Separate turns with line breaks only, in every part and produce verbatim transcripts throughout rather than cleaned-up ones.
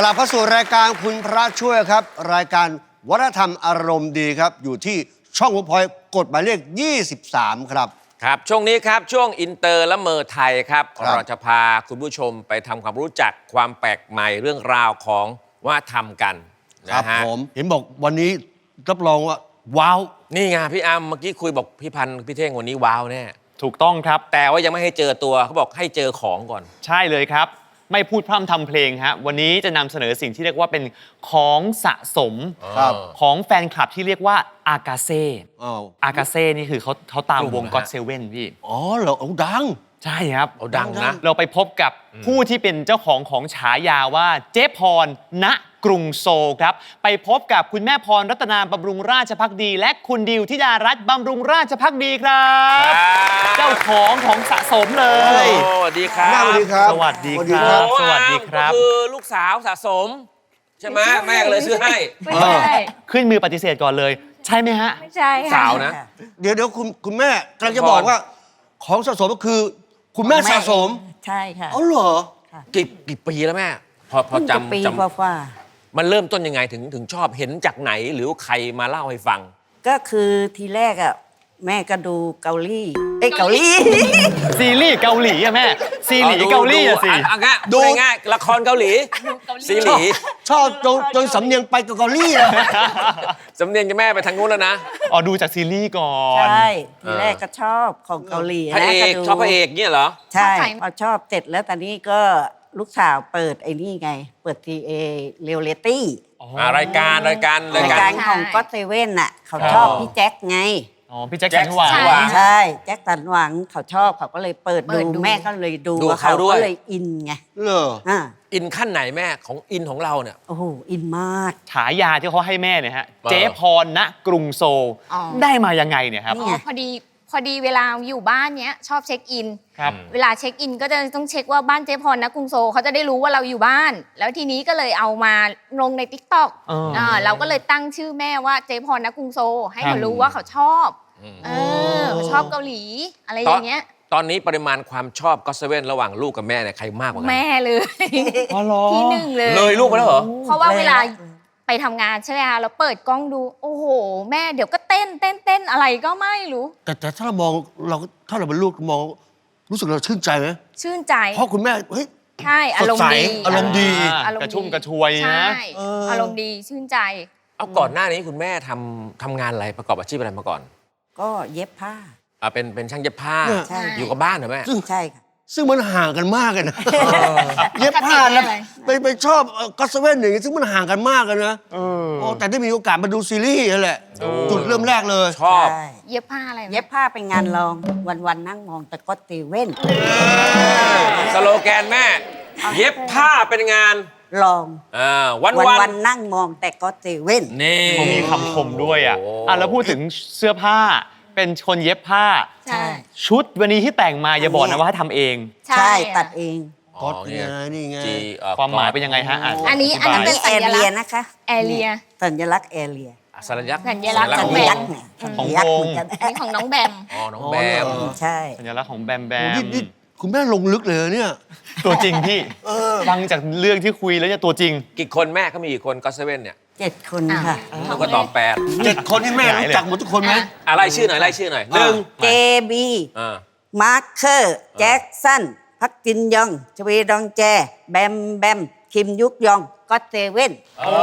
ลับเข้าสู่รายการคุณพระช่วยครับรายการวัฒนธรรมอารมณ์ดีครับอยู่ที่ช่องเวิร์กพอยต์กฎหมายเลขยี่สิบสามครับ
ครับช่วงนี้ครับช่วงอินเตอร์และเมอร์ไทยครับ
ครับ
เราจะพาคุณผู้ชมไปทำความรู้จักความแปลกใหม่เรื่องราวของวัฒนธรรมกัน
ครั
นะ
บ
ฮะ
ผมเห็นบอกวันนี้รับรองว่าว้าว
นี่ไงพี่อัมเมื่อกี้คุยบอกพี่พันธ์พี่เท่งวันนี้ว้าวแน่
ถูกต้องครับ
แต่ว่ายังไม่ให้เจอตัวเขาบอกให้เจอของก่อน
ใช่เลยครับ ไม่พูดพร่ำทำเพลงฮะวันนี้จะนำเสนอสิ่งที่เรียกว่าเป็นของสะสม
ครับ
ของแฟนคลับที่เรียกว่าอากาเซ่
อ้าว
อากาเซ่นี่คือเขาเขาตาม
กลุ่ม
วง
นะฮะ
ก็อดเซเว่นพี่
อ๋อเหรอเอาดัง
ใช่ครับ
เอาดังนะ
เราไปพบกับผู้ที่เป็นเจ้าของของฉายาว่าเจ๊พรณกรุงโซลครับ ไปพบกับคุณแม่พรรัตนาบำรุงราชภักดี และคุณดิวธิดารัตน์บำรุงราชภักดีครับ เจ้าของของสะสมเลย
โอ้สวัสดีครับ
สวัสดีครับ
สวัสดี
สวัส
ค
ดี
รั
ครับ บ
สวัสดีครับ
ก็คือลูกสาวสะสม ใช่ไหมแม่ก็เลยซื้อให้
ไม่ใช่
ขึ้นมือปฏิเสธก่อนเลย ใช่ไหมฮะ
ไม่ใช่ค่ะ
สาวนะ
เดี๋ยวเดี๋ยวคุณคุณแม่กำลังจะบอกว่า ของสะสมก็คือ คุณแม่สะสม
ใช่ค่ะ
อ๋อเหรอ
กี่กี่ปีแล้วแม่ พอพอ
เพิ่งจะปี
จำจ
กว่า
ำมันเริ่มต้นยังไงถึงถึงชอบเห็นจากไหนหรือใครมาเล่าให้ฟัง
ๆก็คือทีแรกอ่ะแม่ก็ดูเกาหลีเอ้ยเกาหลี
ซีรีส์เกาหลีอะแม่ ซีรีส์เกาหลีอะสิ
อ่ะง่าย
ดู
ดูง่ายๆละครเกาหลีซีรีส์
ชอบจนจนสำเนียงไปกับเกาหลีเลย
สำเนียงจะแม่ไปทางนู้นแล้วนะ
อ๋อดูจากซีรีส์ก่อน
ใช่ทีแรกก็ชอบของเกาหลี
พระเอก
ดู
ชอบพระเอกเนี่ยเหรอ
ใช่
ชอบใคร
พอชอบเสร็จแล้วตอนนี้ก็ลูกสาวเปิดไอ้นี่ไง เปิดทีเอเรียลเลตี้
อ่ารายการรายการราร
าย ย
กา
การ รของก็เซเว่นน่ะเขาชอบพี่แจ็คไง
อ๋อพี่แจ็คสันหวัง
แจ็คสันหวัง
ใช่แจ็คสันหวังเขาชอบเขาก็เลยเปิด
เปิ
ดู
ดดู
แม่ก็เลยดู
ดู
แล้ว
เขาด้วย
ก็เลยอินไง
เหรอ
อ่า
อินขั้นไหนแม่ของอินของเราเนี่ย
โอ้โหอินมาก
ฉายาที่เขาให้แม่เนี่ยฮะ
เออ
เจ๊พรณกรุงโซล
อ๋อ
ได้มายังไงเนี่ยครับ
นี่
อ๋อพอดีพอดีเวลาอยู่บ้านเนี้ยชอบเช็คอิน
ครับ
เวลาเช็คอินก็จะต้องเช็คว่าบ้านเจ๊พรนะกรุงโซลเขาจะได้รู้ว่าเราอยู่บ้าน แล้วทีนี้ก็เลยเอามาลงในทิกตอก
เออ
เราก็เลยตั้งชื่อแม่ว่าเจ๊พรนะกรุงโซลให้
ครั
เขา
บ
รู้ว่าเขาชอบ
อืม
เออเขาชอบเกาหลีอะไรอย่างเงี้ย
ตอนนี้ปริมาณความชอบก็เซเว่นระหว่างลูกกับแม่เนี่ยใครมากกว่ากั
แม่เลย
อ๋อเหรอ
ที่หนึ่งเลย
เลยลูกไปแล้วเหรอ
เพราะว่าเวลาไปทำงานใช่ไหมคะเราเปิดกล้องดู โอ้โห แม่เดี๋ยวก็เต้นเต้นเต้นอะไรก็ไม่รู้
แต่แต่ถ้าเรามองเราถ้าเราเป็นลูกมองรู้สึกเราชื่นใจไหม
ชื่นใจ
เพราะคุณแม่เฮ้ย
ใช่อารมณ์ดี
สดใสอารมณ์ดี
อารมณ์
กระชุ่มกระชวย
ใช่
นะ
เอออ
อารมณ์ดีชื่นใจ
เอาก่อนหน้านี้คุณแม่ทำทำงานอะไรประกอบอาชีพอะไรมาก่อน
ก็เย็บผ้า
อ่าเป็นเป็นช่างเย็บผ้า
เนี่ย
ใช่
อยู่กับบ้านเหรอแม่
ซึ่ง
ใช่ค่ะ
ซึ่งมันห่างกันมากเลยนะเย็บผ้า
ปกติ
แล้ว
อะไร
ไปไปชอบก็อตเซเว่นอย่างงี้ซึ่งมันห่างกันมากกันนะ
เออ
โอ้แต่ได้มีโอกาสมาดูซีรีส์นั่นแหละ
ดู
จุดเริ่มแรกเลย
ชอบ
ใช่
เย็บผ้าอะไรนะ
เย็บผ้าเป็นงานรองวันๆนั่งมองแต่ก็ตีเว้น
สโลแกนแม่ เย็บผ้าเป็นงาน
ลอง
อ่าวัน
วั
วัน
นๆนั่งมองแต่ก็ตีเว้น
นี่
เขามีคำคมด้วยอ่ะ
โอ้
อ่ะแล้วพูดถึงเสื้อผ้าเป็นคนเย็บผ้า
ใช่
ชุดวันนี้ที่แต่งมาอย่าบอกนะว่าทำเอง
ใช่ตัดเอง
ก๊อตไงนี่ไง
จีเอ่อ
ความหมายเป็นยังไงฮะอ่ะ
อันนี้
ธิ
อัน
บาย
นี้เป็น
แอ
สัญ
เรี
ลั
ย
กษณ์
นะคะ
แอเรีย
สัญลักษณ์แอเรีย
อ่ะสัญลักษณ์
สัญลักษณ์
สั
ของ
ญ
แบ
ลั
ม
กษณ์
เนี่ย
ของ
สัญลักษณ์
วง
เหมือนกัน
อันนี้ของน้องแบม
อ๋อน้องแบม
ใช่
สัญลักษณ์ของแบมแบ
โอ้
ม
นี่นี่คุณแม่ลงลึกเลยเนี่ย
ตัวจริงพี่ฟังจากเรื่องที่คุยแล้วจะตัวจริง
กี่คนแม่เขามีกี่คนก็เซเว่นเนี่ย
เจ็ดคนค่ะ
ต้องก็ตอบแปด
เจ็ดคนที่แม่รู้จักหมดทุกคนไหม
อะไรชื่อหน่อยไล่ชื่อหน่อยหนึ่ง
เจบี
อ่า
มาร์คเคอร์แจ็คสันพักจินยองชเวดองแจ แบมแบม คิมยุกยองก็อตเซเว่น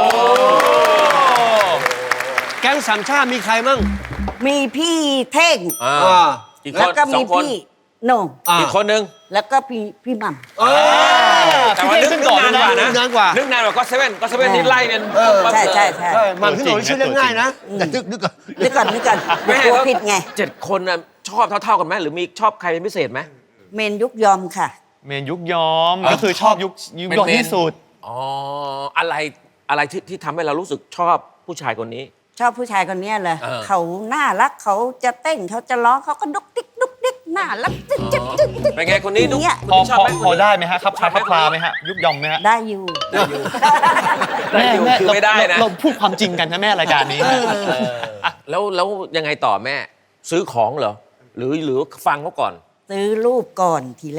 แก๊งสามชาติมีใครมั่ง
มีพี่เท่ง
อ่า
อ่า
อีกค
แล้ว
น
ก็
สอ
มี
งคน
พี่โหน่ง
อ่า
อีกคนหนึ่ง
แล้วก็พี่พี่หม่ำ
เออ
แต่ว่านึก
ขึ้น
นึ
ก่
ก
อน
นานกว่า
เลย
นะ
นะ
นานกว่า
นึกนานกว่าก็เซเว่นก็เซเว่นนี่ไล่เป็น
เออ
ปั๊บ
ใช่
เลย
ใช่ใช่
ใช่มันพี่หนุ่ยชื่อเรียกง่ายนะแต่นึกนึกก่อน
นึกก่อนนึกก่อน
แม่
กลัว
แล้ว
ผิดไง
เจ็ดคนน่ะชอบเท่าๆกันไหมหรือมีชอบใครเป็นพิเศษไหม
เมนยุกยอมค่ะ
เมนยุคย้อมก็คือชอบยุคยุคย้อมที่สุด
อ๋ออะไรอะไรที่ที่ทำให้เรารู้สึกชอบผู้ชายคนนี้
ชอบผู้ชายคนเนี้ยเลย
เออ
เขาน่ารักเขาจะเต้นเขาจะร้องเขาก็ดุกดิกดุกดิกน่ารักจึ๊กจึ๊กจึ๊กจึ๊ก
เป็นไงคนนี้ดู
เนี่ย
พอ
คุณชอบ
พอ
ไหม
พอได้ไหมฮะครับคาครับคลาไหมฮะยุคยอมไหมฮะ
ได้อยู่
ได้อยู่
แม่แม่
คือ
เรา
ไม่ได้นะ
เราเราพูดความจริงกันนะแม่รายการนี้
เออแล้วแล้วยังไงต่อแม่ ซื้อของเหรอหรือหรือฟังเขาก่อน
ซื้อรูปก่อนทีแรก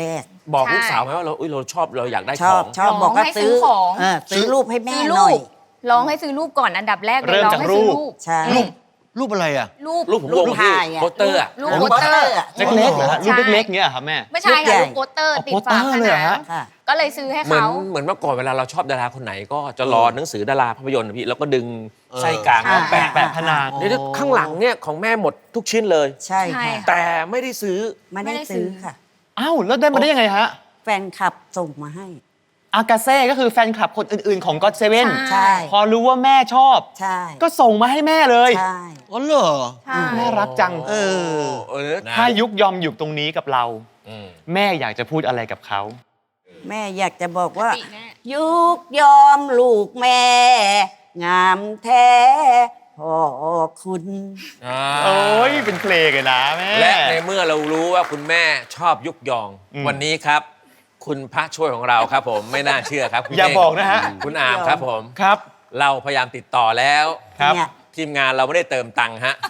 บอก
ใช่
ลูกสาวไหมว่าเราอุ้ยเราชอบเราอยากได้
ช
ข
อ
อบ ง
ชอบ
ร้อง
บอกว่า
ให้ซื้
ซื้
อ
อ
ของ
เออซื้อรูปให้แม่
ซื้อ
หน่อย
รูปร้องให้ซื้อรูปก่อนอันดับแรกเลย
เริ่ม
ร้อง
จาก
ให้ซื้อ
รูป
รูป
ใช่
อืม
รูปอะไรอ่ะ
รูป
รูปผม
รูป
ลงที่
ถ่ายอะ
โปสเตอร์อะ
รูป
รู
โป
ป
สเตอร์
อะ
เล็กๆเหรอฮะ
ใช่
รูปเล็กๆเงี้ยเหรอครับแม่
ไม่ใช่
รูปใหญ่
ค่ะรูปโปสเตอร์
อ๋อ
ติด
โปสเต
ฝา
อร์
ผ
เลยเหร
นั
อฮะ
ง
ค่ะ
ก็เลยซื้อให้
เหมือน
เขา
เหมือนเมื่อก่อนเวลาเราชอบดาราคนไหนก็จะรอหนังสือดาราภาพยนตร์นะพี่แล้วก็ดึงไส้กลาง
ใช่
มาแปะ
แปะผนัง
เดี๋ยวข้างหลังเนี่ยของแม่หมดทุกชิ้นเลย
ใช่
ใช่
ค่ะ
ค่ะ
แต่ไม่ได้ซื้อ
ไม่ได้
ไม่ได้ซื้
ซื้อ
อ
ค่ะ
อ้าวแล้วได้มาได้ยังไงฮะ
แฟนคลับส่งมาให้
อากาเซ่ก็คือแฟนคลับคนอื่นๆของก็อตเซเว่น
ใช่
พอรู้ว่าแม่ชอบ
ใช่
ก็ส่งมาให้แม่เลย
ใช่
อ๋อเหรอ
ใช่
น่ารักจัง
เออ
เออ
ถ้ายุกยอมอยู่ตรงนี้กับเรา
อืม
แม่อยากจะพูดอะไรกับเขา
แม่อยากจะบอกว่า
ปกติแน่
ยุกยอมลูกแม่ งามแท้พ่อคุณ
อ่า
โอ้ยเป็นเพลงเลยนะแม่
และในเมื่อเรารู้ว่าคุณแม่ชอบยุกยอง
อืม
วันนี้ครับ คุณพระช่วยของเราครับผมไม่น่าเชื่อครับคุณ
อย่า
เง
บอกนะฮะ
คุณอามครับผม
ครับ
เราพยายามติดต่อแล้ว
ครับ
เนี่ย
ทีมงานเราไม่ได้เติมตังค์ฮะ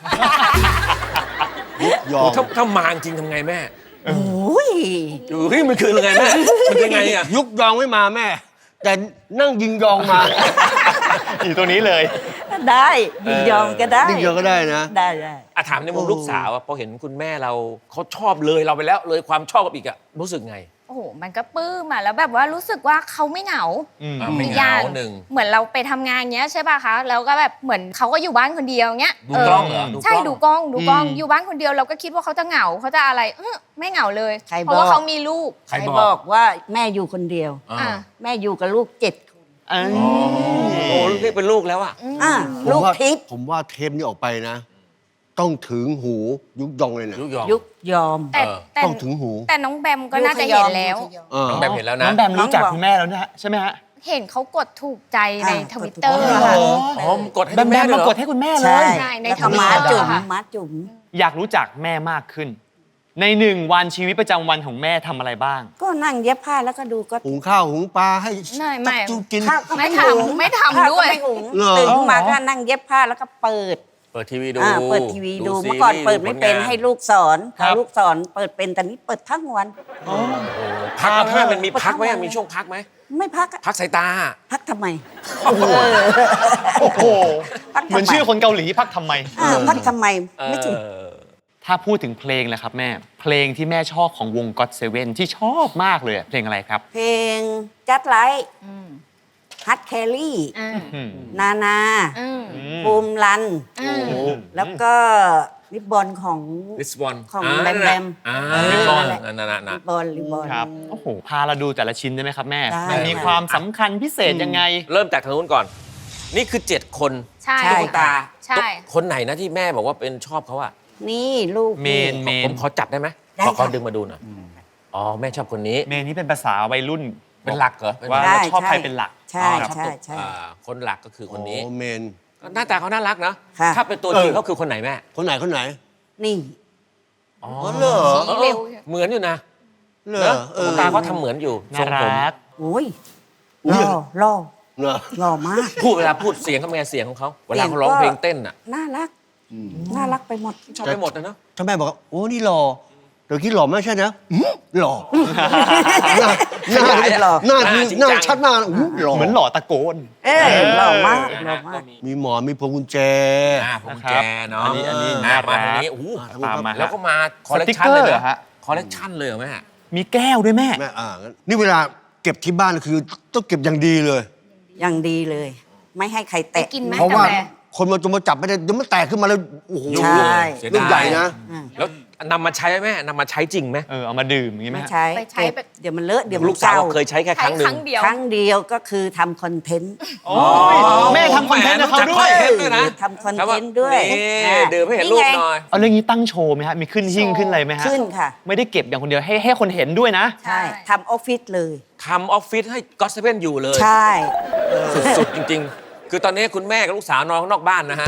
ยอ
โอ้
ม
ถ้าถ้ามาจริงทำไงแม่
โอ้ย
เฮ้ยมันคือยังไงแม่มันคือยังไงอ่ะ
ยุกยองไม่มาแม่ แต่นั่งยิงยองมา
อยู่ตรงนี้เลย
ได้ยินยอมก็ได้
ยิงยองก็ได้นะ
ได้ได้
อะถามในมุม
โอ้
ลูกสาวอะพอเห็นคุณแม่เราเขาชอบเลยเราไปแล้วเลยความชอบกับอีกอะรู้สึกไง
โอ้โหมันก็ปลื้มอ่ะแล้วแบบว่ารู้สึกว่าเขาไม่เหงา
อืม
อ่ะไม่
อีก
เห
อง
า
ย่าง
หนึ่ง
เหมือนเราไปทำงานเงี้ยใช่ป่ะคะแล้วก็แบบเหมือนเขาก็อยู่บ้านคนเดียวเงี้ย
ดูกล้องเหรอ
ใช่ดูกล้องดูกล้อง
อืม
อยู่บ้านคนเดียวเราก็คิดว่าเขาจะเหงาเขาจะอะไรเออไม่เหงาเลย
ใคร
เพราะว่า
บอก
เขามีลูก
ใคร
ใคร
บบ อ
อก กว่าแม่อยู่คนเดียว
อ่า
อ่ะ
แม่อยู่กับลูกเจ็ดคน
เอ้ย
โอ้เรียกเป็นลูกแล้วอะ
อ่ะ
ผม
ลูก
ว่า
ทิพย์
ผมว่าเทปนี้ออกไปนะ ต้องถึงหูยุกยองเลยเนี่ย
ยุกยอง
ยุกยอม
แต่
เออ
แต่
ต้องถึงหู
แต่น้องแบมก็น่าจะเห็นแล้ว
เออ
น้องแบมเห็นแล้วนะ
น้องแบมรู้จัก
น้องบอก
คุณแม่แล้วนะฮะใช่ไหมฮะ
เห็นเขากดถูกใจใน
อ่า
ทวิตเตอร์
กดถูกใจ
ค่ะ
อ๋อมกดให้
แบม
คุณ
แบ
แม่
ม
ด้วย
มา
เหร
ก
อ
ดให้คุณแม่เล
ใช่
ย
ใช่ใน
แล้วก็
Twitter
ม้าจุ๋ม
ค่ะ
ม้าจุ๋ม
อยากรู้จักแม่มากขึ้น ในหนึ่งวันชีวิตประจำวันของแม่ทำอะไรบ้าง
ก็นั่งเย็บผ้าแล้วก็ดูก็
หุงข้าวหุงปลาให้
ไม่ไม่
จักจูกิน
ข้าวก็
ไม่
ไม่
ทำ
หุง
ไม่ทำ
ข้า
ด้วย
ก็ไม่หุง
เหรอ
ตื่นขึ้นมา
อ๋อ
ก็นั่งเย็บผ้าแล้วก็เปิด
เปิดทีวีดู
อ่าเปิดทีวีดู
ซี
เมื่อก่อน
รีส์
เปิดไม่เป็น
ผลงา
ให้ลูกสอน
ครั
พ
บ
อลูกสอนเปิดเป็นแต่นี้เปิดทั้งวัน
โอ้พักไหมแม่มันมีพักไหมอะมีช่วงพักไหม
ไม่พักอะ
พักสายตา
พักทำไม
โอ้โห
พักทำไม
เหมือนชื่อคนเกาหลีพักทำไม
อ่าพักทำไมไม่ถูก
เออ
ถ้าพูดถึงเพลงแหละครับแม่ เพลงที่แม่ชอบของวงก็อตเซเว่นที่ชอบมากเลยอะเพลงอะไรครับ
เพลงจัดไลท์
อืม
ฮัตแคลรี่
อ่า
อืม
นานา
อืม
บูมรัน
อืม
แล้วก็ริบบอนของ
ลิสบอน
ของแบมแบม
อ่า
เออ
ลิสบอน
นั่
นั่
น
น
แหละ
น่ะน่ะ
ริบบอนริบบอน
ครับ โอ้โห พาเราดูแต่ละชิ้นได้ไหมครับแม่
ได้
มันมีความสำคัญพิเศษยังไง
เริ่มจากทางนู้นก่อน นี่คือเจ็ดคน
ใช่
ใช่
ค่ะ
ค่ะ
ใช่
คนไหนนะที่แม่บอกว่าเป็นชอบเขาอะ
นี่ลูก
เมนเม
ผมขอจับได้ไหม
ได้
ขอขอ
ค่ะ
ดึงมาดูหน่อยอ๋อแม่ชอบคนนี้
เมนนี่เป็นภาษาวัยรุ่น
เป็นหลักเหรอเป็น
ว่า
หลัก
เราชอบใครเป็นหลัก
ใช่
อ๋อชอบ
ใช่
ตัว
ใช่
อ่าคนหลักก็คือคนนี้
โอ้เมน
หน้าตาเขาน่ารักนะ
ค่ะ
ถ้าเป็นตัวจริงเขาคือคนไหนแม่
คนไหนคนไหน
นี่
อ๋อ
อ๋อเหรอ
สีเร็ว
เหมือนอยู่นะ
เหร
นะ
อเออ
ตาเขาทำเหมือนอยู่ท
น่า
รงผม
รัก
โอ้ย
อุ๊
ห
ย
ล่อหล่อ
เหรอ
หล่อมาก
พูดเวลาพูดเสียงเขาเป็นไงเสียงของเขาเวลาเขาร้องเพลงเต้นอ่ะ
น่ารัก น่ารักไปหมด
ชอบไปหมดนะเนาะ
ถ้าแม่บอกว่าโอ้นี่หล่อเดี๋ยวคิดหล่อไม่ใช่นะอื้อหล่อหน้าหน้า
ขยายหล่อ
หน้าคือหน้าชัดหน้าอู้หล่อ
เหมือนหล่อตะโกน
เอ้ยหล่อมากหล่อมาก
มีหมอนมีพวงกุญแจ
อ่าผม
นะครั
แจ
บ
เนาะ
อันนี้อันนี้
อ่
น่ารัก
มาตรงนี้โอ้โห
ตามมาฮะ
แล้วก็มาคอลเลกชัน
สติ๊กเกอร์
เลย
เหรอ
นะ
ฮะ
คอลเลกชันเลยเหรอแม่
มีแก้วด้วยแม่
แม่อ่างั้นนี่เวลาเก็บที่บ้านคือต้องเก็บอย่างดีเลย
อย่างดีเลย ไม่ให้ใคร
ไป
แตะ
กินไหม
เพราะว่า
กาแฟ
คนมาจงมาจับไม่ได้เดี๋ยวมันแตกขึ้นมาแล้วโอ้โห
ยุ่ง
ใช่
เสีย
ลูก
ดาย
ใหญ่นะ
อ่า
แล้วนำมาใช้ไหมแม่นำมาใช้จริงไหม
เออเอามาดื่มอย่างงี้ไหม
ไม่
ฮะ
ใช้
ไปใช้
เก็บ
แบบ
เดี๋ยวมันเลอะเดี๋ยวมั
ลู
น
กสาว
เก่า
เคยใช้แค่ค
ใช้
รั้งหนึ่
ค
ง
รั้งเดียว
ครั้งเดียวก็คือทำคอนเทนต์
โอ้ยแม่ทำคอนเทนต์กับเขาด้วย
แหมรู้จักคอนเทนต์ด้วยนะ
ทำคอนเทนต์ด้วย
นี่
อ่า
ดื่มให้เห็นรูป
ไง
หน่อย
เอาเรื่องนี้ตั้งโชว์ไหมฮะ มีขึ้นหิ้งขึ้นอะไรไหมฮะ
ขึ้นค่ะ
ไม่ได้เก็บอย่างคนเดียวให้ให้คนเห็นด้วยนะ
ใช่ทำออฟฟิศเลย
ทำออฟฟิศให้ก็อตเซเว่นอยู่เลย
ใช่
สุดๆจริง ๆ คือตอนนี้คุณแม่กับลูกสาวนอนข้างนอกบ้านนะฮะ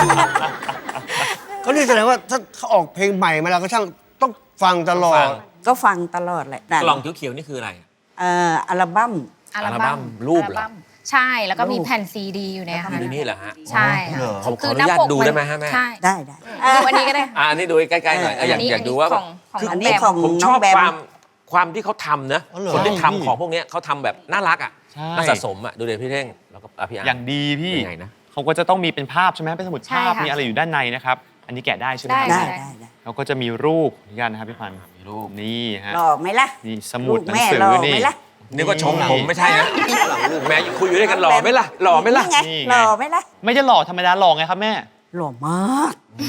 ก็นี่แสดงว่าถ้าเขาออกเพลงใหม่มาแล้วก็ช่างต้องฟังตลอ
ฟั
ด
ง
ก็ฟังตลอดแหละนั่น
กล่องเขียวๆนี่คืออะไร
เอ่ออัลบั้ม
อัล
อัลบั้
บั้
ม
ม
รูปเหรอ
อัลบั้มใช่แล้วก็มี
รูป
แผ่นซีดีอยู่ในนั้น
อยู่นี่เหรอฮะ
ใช่ค่ะ
เหรอ
ผมขออนุญาตดูได้ไหมฮะแม่
ใช่
ได้ได้
ดูอันนี้ก็ได้
อ่าอันนี้ดูใกล้ๆหน่อยเอออยาก
นนี้
อยากดูว่า
ของของ
คือ
น้
อั
อน ง
นี้
แบม
ของ
ผมช
น้อ
อง บ
แบม
ความความที่เขาทำนะ
อ๋อเหรอ
คนที่
ใช่
ทำของพวกเนี้ยเขาทำแบบน่ารักอ่ะ
ใช่
น่าสะสมอ่ะดูเดี๋ยวพี่เท่งแล้วก็อ่ะพี่อาร์
อย่างดีพี่
เป็นไงนะ
เขาก็จะต้องมีเป็นภาพใช่ไหมเป็นสมุด
ใช่
ภาพ
ค่ะ
มีอะไรอยู่ด้านในนะครับ อันนี้แกะได้ใช่ไหม
ได้
ครับ
ได้ได้ได้
แล้วก็จะมีรูปเหมือนกันนะครับพี่พันธุ์มีรูปนี่ฮะ
หล่อไหมล่ะ
นี่สมุด
ลูก
หนัง
แม่
สือ
หล่อ
นี่
ไหมล่ะ
นึกว่าชมผมไม่ใช่นะแม่คุยอยู่ด้วยกันหล่อไหมล่ะหล่อไหมล่ะ
นี่ไง
นี่ไง
หล่อไหมล่ะ
ไม่จะหล่อธรรมดาหล่อไงครับแม่
หล่อมาก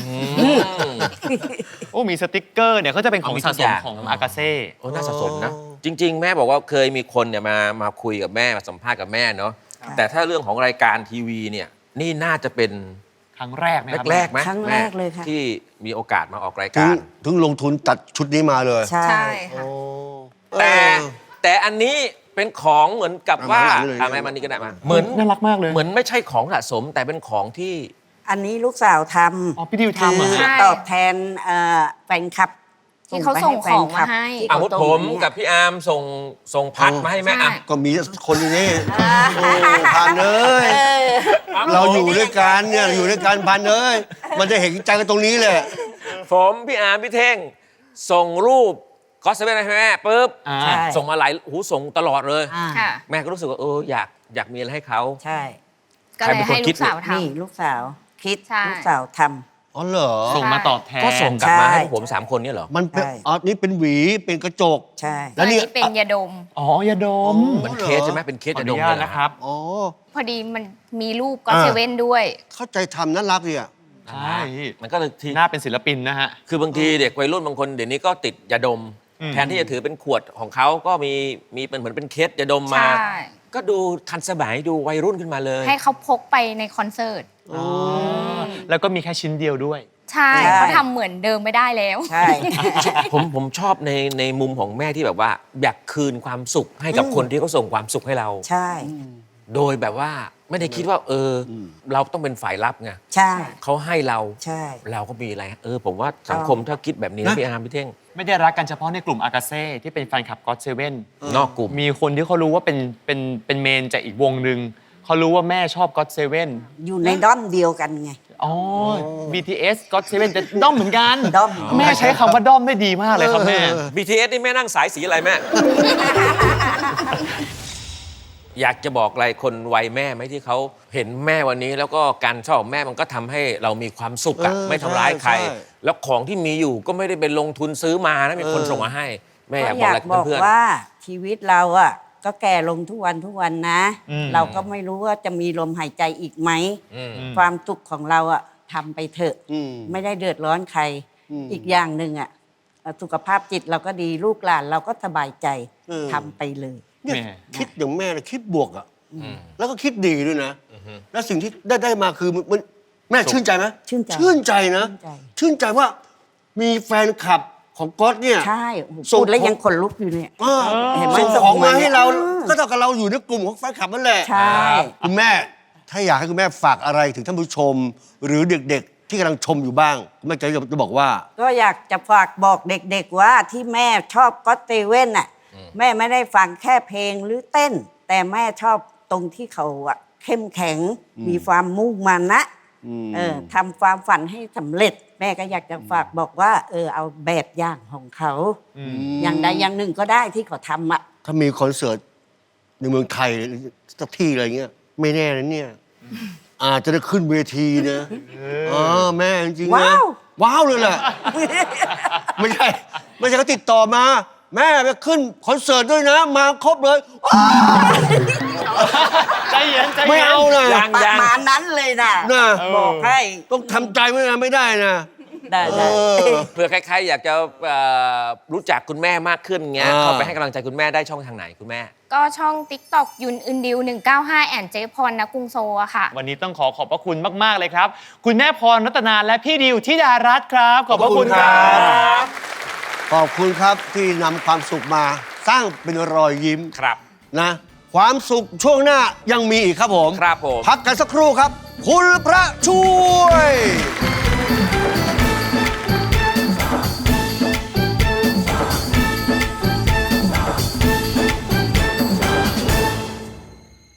โอ้มีสติกเกอร์เนี่ยก็จะเป็นของ
เอามีทุ
สะ
ก
ส
อ
ม
ย่าง
ของอากาเซ่
โอ้น่าสะสมนะ จริง ๆ แม่บอกว่าเคยมีคนเนี่ยมามาคุยกับแม่มาสัมภาษณ์กับแม่เนาะแต่ถ้าเรื่องของรายการทีวีเนี่ยนี่น่าจะเป็น
ครั้งแรกไหมครับ
แรกๆไหม
ครั้งแรกเลยค่ะ
ที่มีโอกาสมาออกราย
ถึง
การ
ถึงลงทุนตัดชุดนี้มาเลย
ใช่
ใช่ค่ะ
แต่
เออ
แต่อันนี้เป็นของเหมือนกับว่า
เอามาเลย
อ่ะแม่มันนี่ก็ได้มาเหมือน
น่ารักมากเลย
เหมือนไม่ใช่ของสะสม แต่เป็นของที่
อันนี้ลูกสาวทำ
อ๋อพี่ดิวทำเหรอ
คือ
ใช่
ตอบแทนเอ่อแฟนคลับ
ที่เขาส่งของมาให้
ที่
อา
เข
วุธ
ส่ง
ผม
เนี่ย
กับพี่อาร์มส่งส่งพัดมาให้แม่อ่ะ
ใช่
ก็มีคนนี้โอ้พันเลย เราอยู่ด้วยกันเนี่ยอยู่ด้วยกันพันเลยมันจะเห็นใจกันตรงนี้แหละ
ผมพี่อาร์มพี่เท่งส่งรูปก็เซเว่นให้แม่ปุ๊บ
อ่า
ใช่
ส่งมาหลายหูส่งตลอดเลย
อ่า
ค่ะ
แม่ก็รู้สึกว่าเอออยากอยากมีอะไรให้เขา
ใช่
ก็เลยให้ลูกสาวท
นี่ลูกสาวคิด
ใช่
ลูกสาวท
อ๋อเหรอ
ส่งมาตอบแทน
ก็ส่งกลับ
ใช่
มาให้พวกผมสามคนเนี่ยเหรอ
มันเป็น
ใช่
อ๋อนี่เป็นหวีเป็นกระจก
ำใช่
ำ
แล้วนี่
อันนี้เป็นยาดม
อ๋อยาดม
อ๋อ
เหมือนเคสใช่ไหมเป็นเคส
ขอ
จะ
อ
ด
นุ
ม
ญา
เล
ต
ยเหรอ
นะครับ
อ๋อ
พอดีมันมีรูปก็
อ่า
เซเว่นด้วย
เข้าใจทำน่ารักดีอ่ะ
ใช่
มันก็เลยที
หน้าเป็นศิลปินนะฮะ
คือบางทีเด็กวัยรุ่นบางคนเดี๋ยวนี้ก็ติดยาดม
อืม
แทนที่จะถือเป็นขวดของเขาก็มีมีเป็นเหมือนเป็นเคสยาดมมา
ใช่
ก็ดูทันสมัยดูวัยรุ่นขึ้นมาเลย
ให้เขาพกไปในคอนเสิร์ต
อ๋อแล้วก็มีแค่ชิ้นเดียวด้วย
ใช่เขาทำเหมือนเดิมไม่ได้แล้ว
ใช่
ผมผมชอบในในมุมของแม่ที่แบบว่า อยากคืนความสุขให้กับคนที่เขาส่งความสุขให้เรา
ใช่
โดยแบบว่าไม่ได้คิดว่า เอออเราต้องเป็นฝ่ายรับไง
ใช่
เขาให้เรา
ใช่
เราก็มีอะไร เออ ผมว่าสังคมถ้าคิดแบบนี้
นะ
นะพี่อาร์มพี่เท่ง
ไม่ได้รักกันเฉพาะในกลุ่มอากาเซ่ที่เป็นแฟนคลับก็อดเซเว่น
นอกกลุ่ม
มีคนที่เขารู้ว่าเป็นเป็นเป็นเมนจากอีกวงหนึ่งเขารู้ว่าแม่ชอบก็อดเซเว่น
อยู่ในด้อมเดียวกันไง
อ๋อ บี ที เอส ก็อดเซเว่นจะด้อมเหมือนกัน
ด้อม
แม่ใช้คำว่าด้อมได้ดีมากเลยครับแม่
บี ที เอส นี่แม่นั่งสายสีอะไรแม่ อยากจะบอกอะไรคนวัยแม่ไหมที่เขาเห็นแม่วันนี้ แล้วก็การชอบของแม่มันก็ทำให้เรามีความสุขอะ
เออ
ไม่ทำร้ายใคร
ใช่ใช่
แล้วของที่มีอยู่ก็ไม่ได้เป็นลงทุนซื้อมานะมีคน
เออ
ส่งมาให้ แม่อ
ก็
ยาก
อบ
อก
ยา
อะไร
กบอก
เพื่อน
ว่าชีวิตเราอ่ะก็แก่ลงทุกวันทุกวันนะ
อืม
เราก็ไม่รู้ว่าจะมีลมหายใจอีกไหม
ๆอืม
ความสุขของเราอ่ะทำไปเถอะ
อืม
ไม่ได้เดือดร้อนใคร
อืม
อีกอย่างหนึ่งอ่ะเอ่อสุขภาพจิตเราก็ดีลูกหลานเราก็สบายใจ
เออ
ทำไปเลย
เนี่ย
แม่
คิดอย่างแม่นะคิดบวกอ่ะ
อืม
แล้วก็คิดดีด้วยนะ แล้วสิ่งที่ได้ได้มาคือมันมันแม่ชื่นใจไหม
ชื่นใจ
ชื่นใจนะ
ชื่นใจ
ชื่นใจว่ามีแฟนคลับของก๊อตเนี่ย
ใช่โอ้โห
ส่ง
พูดแล้ว
ของ
ยังขนลุกอยู่เนี่ย
เออ
เห็นไหม
ส่ง
ส่ง
ของมาให้เรา
มาเนี่ย
ก็เท่ากับเราอยู่ในกลุ่มของแฟนคลับนั่นแหละ
ใช่
คุณแม่ถ้าอยากให้คุณแม่ฝากอะไรถึงท่านผู้ชม หรือเด็กๆ ที่กำลังชมอยู่บ้างคุณแม่จะจะบอกว่า
ก็อยากจะฝากบอกเด็กๆว่าที่แม่ชอบก็อตเตเว่นน่ะแม่ไม่ได้ฟังแค่เพลงหรือเต้น แต่แม่ชอบตรงที่เขาอะเข้มแข็ง มีความมุ่งมั่นนะ
อืม
เออทำความฝันให้สำเร็จ แม่ก็อยากจะฝากบอกว่า เออเอาแบบอย่างของเขา อย่างใดอย่างหนึ่งก็ได้ที่เขาทำอ่ะ
ถ้ามีคอนเสิร์ตในเมืองไทยสักที่อะไรเงี้ย ไม่แน่นะเนี่ย อาจจะได้ขึ้นเวทีนะอ๋อแม่จริงๆนะ
ว้าว
ว้าวเลยแหละ ไม่ใช่ ไม่ใช่เขาติดต่อมา แม่ไปขึ้นคอนเสิร์ตด้วยนะ มาครบเลยว้าว
ใจเย็นใจเย็น
ไม่เอานะ
ยัง
ประ
ยัง
มาณนั้นเลยนะ
นะ
บอกให้
ต้องทำใจไว้นะไม่ได้นะ
ได้
เอ
ได้
อ
เผื่อใครๆอยากจะเอ่อรู้จักคุณแม่มากขึ้นเงี้ย
อ่า
เข้าไปให้กำลังใจคุณแม่ได้ช่องทางไหนคุณแม่
ก็ช่อง TikTok ยุนอึนดิวหนึ่งเก้าห้าแอนเจพรนะกรุงโซอะค่ะ
วันนี้ต้องขอขอบพระคุณมาก ๆ เลยครับ คุณแม่พรรัตนาและพี่ดิวธิดารัตน์ครับ ขอบพระคุณครับ
ขอบคุณครับที่นำความสุขมาสร้างเป็นรอยยิ้ม
ครับ
นะ ความสุขช่วงหน้ายังมีอีกครับผม
ครับผม
พักกันสักครู่ครับ คุณพระช่วย